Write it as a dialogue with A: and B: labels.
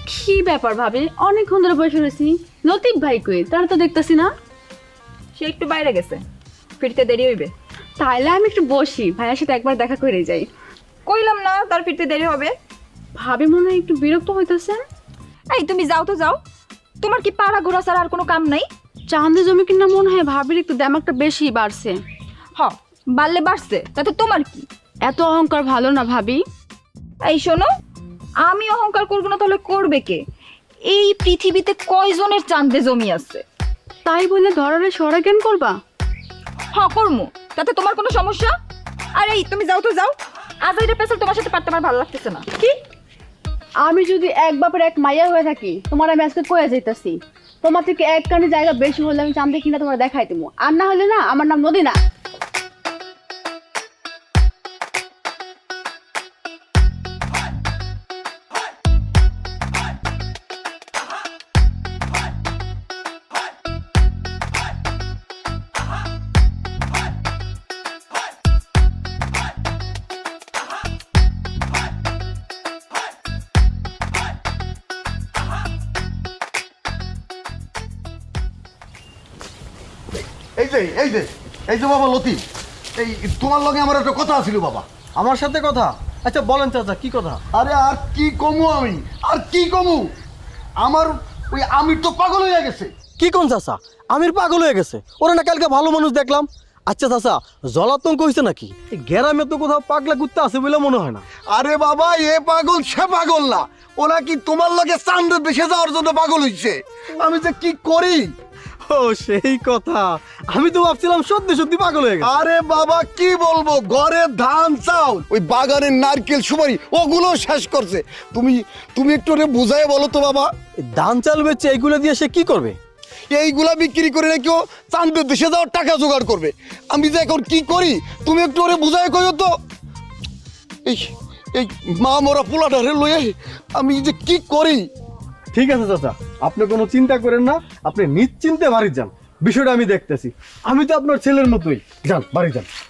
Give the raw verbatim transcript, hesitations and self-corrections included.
A: কি ব্যাপার ভাবি, অনেকক্ষণ ধরে বসে রয়েছি। লতিফ ভাই কই? তারা তো দেখতেছি না।
B: সে একটু বাইরে গেছে, ফিরতে দেরি হইবে।
A: তাইলে আমি একটু বসি, ভাইয়ের সাথে একবার দেখা করে যাই।
B: কইলাম না তার ফিরতে দেরি হবে।
A: ভাবি মনে হয় একটু বিরক্ত হইতেছেন।
B: এই তুমি যাও তো যাও, তোমার কি পাড়া ঘোরা ছাড়া আর কোনো কাম নাই?
A: চাঁদে জমি কিনা মনে হয় ভাবির একটু দামাকটা বেশি বাড়ছে।
B: হ, বাড়লে বাড়ছে, তাতে তোমার কি?
A: এত অহংকার ভালো না ভাবি।
B: এই শোনো, আমি অহংকার করবো না তাহলে করবে কে? এই পৃথিবীতে কয়জনের চাঁদে জমি আছে?
A: তাই বলে ধরারে সরা জ্ঞান করবা?
B: হ করমু, তাতে তোমার কোনো সমস্যা? আর এই তুমি যাও তো যাও, আজ এটা পেছাল তোমার সাথে পারতে আমার ভালো লাগতেছে না।
A: কি? আমি যদি এক বাপের এক মাইয়া হয়ে থাকি, তোমার আমি আজকে কয়ে যাইতাছি। তোমার থেকে এক কানি জায়গা বেশি হলে আমি চাঁদে কিনা তোমার দেখাই দেবো, আর না হলে না আমার নাম নদী না।
C: এই যে এই যে এই যে বাবা লতিফ, এই তোমার লগে আমার একটা কথা ছিল বাবা।
D: আমার সাথে কথা? আচ্ছা বলেন চাচা, কি কথা?
C: আরে আর কি কমু আমি, আর কি কমু, আমার ওই আমির তো পাগল হয়ে গেছে।
D: কি কোন চাচা? আমির পাগল হয়ে গেছে? ওরা না কালকে ভালো মানুষ দেখলাম। আচ্ছা চাচা, জলাতঙ্ক হয়েছে নাকি? এই গ্রামে তো কোথাও পাগলা কুত্তা আছে বলে মনে হয় না।
C: আরে বাবা, এ পাগল সে পাগল না, ওরা কি তোমার লগে চাঁদে দেশে যাওয়ার জন্য পাগল হইছে। আমি যে কি করি।
D: ও সেই কথা, আমি তো ভাবছিলাম সত্যি সত্যি পাগল হয়ে গেছে।
C: আরে বাবা কি বলবো, ঘরে ধান চাউল, ওই বাগানের নারকেল সুপারি ওগুলো শেষ করছে। তুমি তুমি একটু ওরে বুঝাই বলো তো বাবা।
D: এই ধান চাল বেচে এইগুলো দিয়ে সে কি করবে?
C: এইগুলা বিক্রি করে কেউ চাঁদের দেশে যাওয়ার টাকা জোগাড় করবে। আমি যে এখন কি করি তুমি একটু ওরে বুঝাই কইও তো। এই এই মা মরা পোলাটারে লয়ে আমি যে কি করি।
D: ঠিক আছে চাচা, আপনি কোনো চিন্তা করেন না, আপনি নিশ্চিন্তে বাড়ি যান, বিষয়টা আমি দেখতেছি। আমি তো আপনার ছেলের মতোই, যান বাড়ি যান।